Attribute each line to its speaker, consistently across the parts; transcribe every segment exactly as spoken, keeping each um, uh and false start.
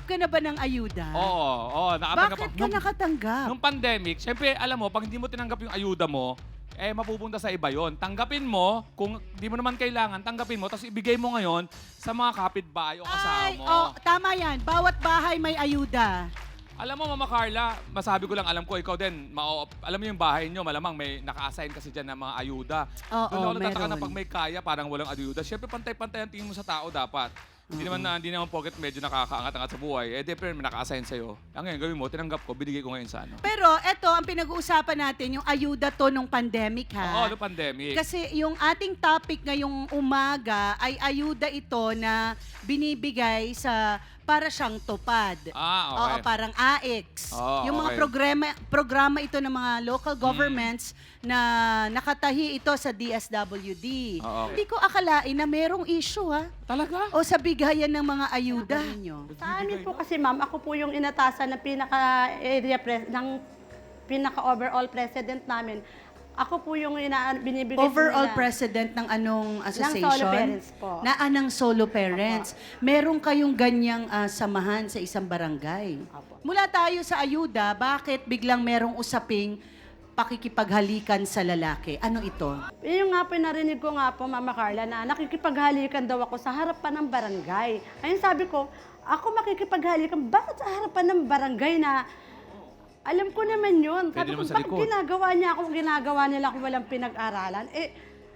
Speaker 1: Nakatanggap ka na ba ng ayuda?
Speaker 2: Oo, oo. Nakatanggap
Speaker 1: Bakit
Speaker 2: ako.
Speaker 1: ka
Speaker 2: Nung-
Speaker 1: nakatanggap?
Speaker 2: Nung pandemic, syempre, alam mo, pag hindi mo tinanggap yung ayuda mo, eh, mapupunta sa iba yon. Tanggapin mo, kung di mo naman kailangan, tanggapin mo, tapos ibigay mo ngayon sa mga kapitbahay o kasama
Speaker 1: Ay,
Speaker 2: mo.
Speaker 1: oh, tama yan. Bawat bahay may ayuda.
Speaker 2: Alam mo, Mama Carla, masabi ko lang, alam ko, ikaw din, ma- alam mo yung bahay nyo, malamang may naka-assign kasi dyan ng mga ayuda.
Speaker 1: Oo,
Speaker 2: Doon ako natataka na
Speaker 1: meron.
Speaker 2: pag may kaya, parang walang ayuda. Syempre, pantay-pantay ang tingin mo sa tao dapat. Hindi naman na, hindi naman porket medyo nakakaangat-angat sa buhay. Eh, di, pero may naka-assign sa'yo. Ang ngayon, gawin mo, tinanggap ko, binigay ko ngayon sa ano.
Speaker 1: Pero eto, ang pinag-uusapan natin, yung ayuda to nung pandemic ha.
Speaker 2: Oo, no pandemic.
Speaker 1: Kasi yung ating topic ngayong umaga ay ayuda ito na binibigay sa para siyang tupad.
Speaker 2: Ah, okay.
Speaker 1: Oo, parang A X.
Speaker 2: Oo,
Speaker 1: yung mga
Speaker 2: okay.
Speaker 1: programa programa ito ng mga local governments na nakatahi ito sa D S W D.
Speaker 2: Oo.
Speaker 1: Hindi ko akalain na merong issue ha.
Speaker 2: Talaga?
Speaker 1: O sa bigayan ng mga ayuda ninyo.
Speaker 3: Sa amin po kasi ma'am, ako po yung inatasan ng pinaka-area pres ng pinaka-overall president namin. Ako po yung ina binibigay po
Speaker 1: Overall
Speaker 3: nila.
Speaker 1: president ng anong association?
Speaker 3: solo parents po.
Speaker 1: Na anang solo parents. Meron kayong ganyang ah, samahan sa isang barangay.
Speaker 3: Apo.
Speaker 1: Mula tayo sa ayuda, bakit biglang merong usaping pakikipaghalikan sa lalaki? Ano ito?
Speaker 3: Yung nga po, narinig ko nga po, Mama Carla, na nakikipaghalikan daw ako sa harapan ng barangay. Ayun sabi ko, ako makikipaghalikan, bakit sa harapan ng barangay na alam ko naman yun.
Speaker 2: Pwede
Speaker 3: Sabi ko,
Speaker 2: naman sa
Speaker 3: bakit
Speaker 2: likod.
Speaker 3: ginagawa niya ako, ginagawa nila ako walang pinag-aralan? Eh,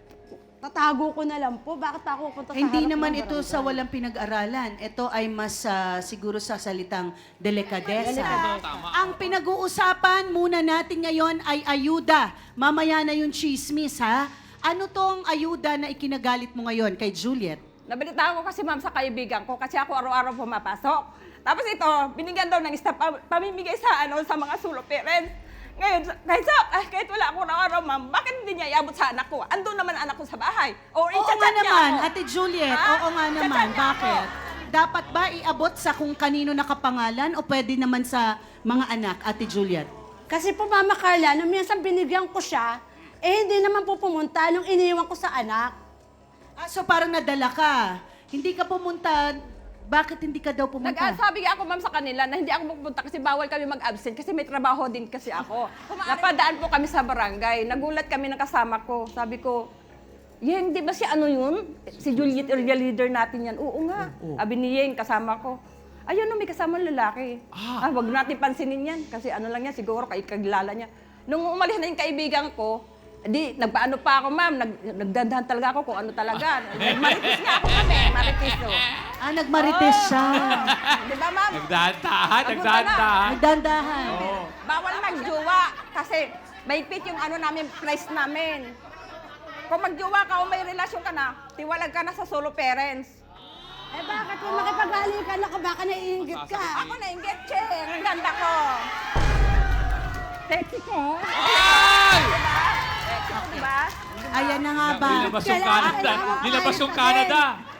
Speaker 3: tatago ko na lang po. Bakit ako punta sa
Speaker 1: Hindi
Speaker 3: harap
Speaker 1: naman
Speaker 3: ng
Speaker 1: ito
Speaker 3: barangay?
Speaker 1: sa walang pinag-aralan. Ito ay mas ah, siguro sa salitang delikadesa.
Speaker 3: Delikadesa.
Speaker 2: Tama.
Speaker 1: Ang pinag-uusapan muna natin ngayon ay ayuda. Mamaya na yung chismis, ha? Ano tong ayuda na ikinagalit mo ngayon kay Juliet?
Speaker 4: Nabalitaan ko kasi ma'am sa kaibigan ko kasi ako araw-araw pumapasok. Tapos ito, binigyan daw ng staff pa- pamimigay sa ano sa mga solo parents. Ngayon, kahit, sa, ah, kahit wala ako araw-araw ma'am, bakit hindi niya iabot sa anak ko? Andun naman anak ko sa bahay. Or
Speaker 1: Oo
Speaker 4: i-chat
Speaker 1: nga
Speaker 4: niya
Speaker 1: naman,
Speaker 4: ako.
Speaker 1: Ate Juliet.
Speaker 4: Ha?
Speaker 1: Oo nga naman.
Speaker 4: Chat-chat niya
Speaker 1: Bakit?
Speaker 4: ako.
Speaker 1: Dapat ba iabot sa kung kanino nakapangalan o pwede naman sa mga anak, Ate Juliet?
Speaker 3: Kasi po, Mama Carla, nung minsan binigyan ko siya, eh hindi naman po pumunta nung iniwan ko sa anak.
Speaker 1: Ah, so parang nadala ka. Hindi ka pumunta. Bakit hindi ka daw pumunta?
Speaker 4: Nag-sabi ako ma'am sa kanila na hindi ako pupunta kasi bawal kami mag-absent kasi may trabaho din kasi ako. Napadaan po kami sa barangay. Nagulat kami ng kasama ko. Sabi ko, Yeng, di ba si ano yun? Si Juliet area leader natin yan. Oo nga. Sabi ni Yeng, kasama ko. Ayun, no, may kasama lalaki. Ah. wag natin pansinin yan. Kasi ano lang yan, siguro kaigilala niya. Nung umalis na yung kaibigan ko, di, nagpaano pa ako, ma'am. Nag, nagdandahan talaga ako kung ano talaga. Nagmaritis nga ako kami. Maritis, oh.
Speaker 1: Ah, nagmarites siya.
Speaker 4: Di ba, ma'am?
Speaker 2: Nagdahan-dahan,
Speaker 4: Papunta
Speaker 2: nagdahan-dahan.
Speaker 1: Nagdandahan.
Speaker 2: Oo.
Speaker 4: Bawal magjowa kasi mahigpit yung ano namin, price namin. Kung magjowa ka o may relasyon ka na, tiwalag ka na sa solo parents.
Speaker 3: Eh bakit kung makipaghalikan ako, baka naiingit ka?
Speaker 4: Ako na yung get check. Ang ganda ko. Sexy ko.
Speaker 2: Ay!
Speaker 4: Sexy ko, di ba?
Speaker 1: Ayan na nga ba?
Speaker 2: Nilabas yung
Speaker 3: Kailangan-
Speaker 2: Canada.
Speaker 3: kailangan
Speaker 2: Nilabas yung
Speaker 3: ayos na din.
Speaker 2: Canada.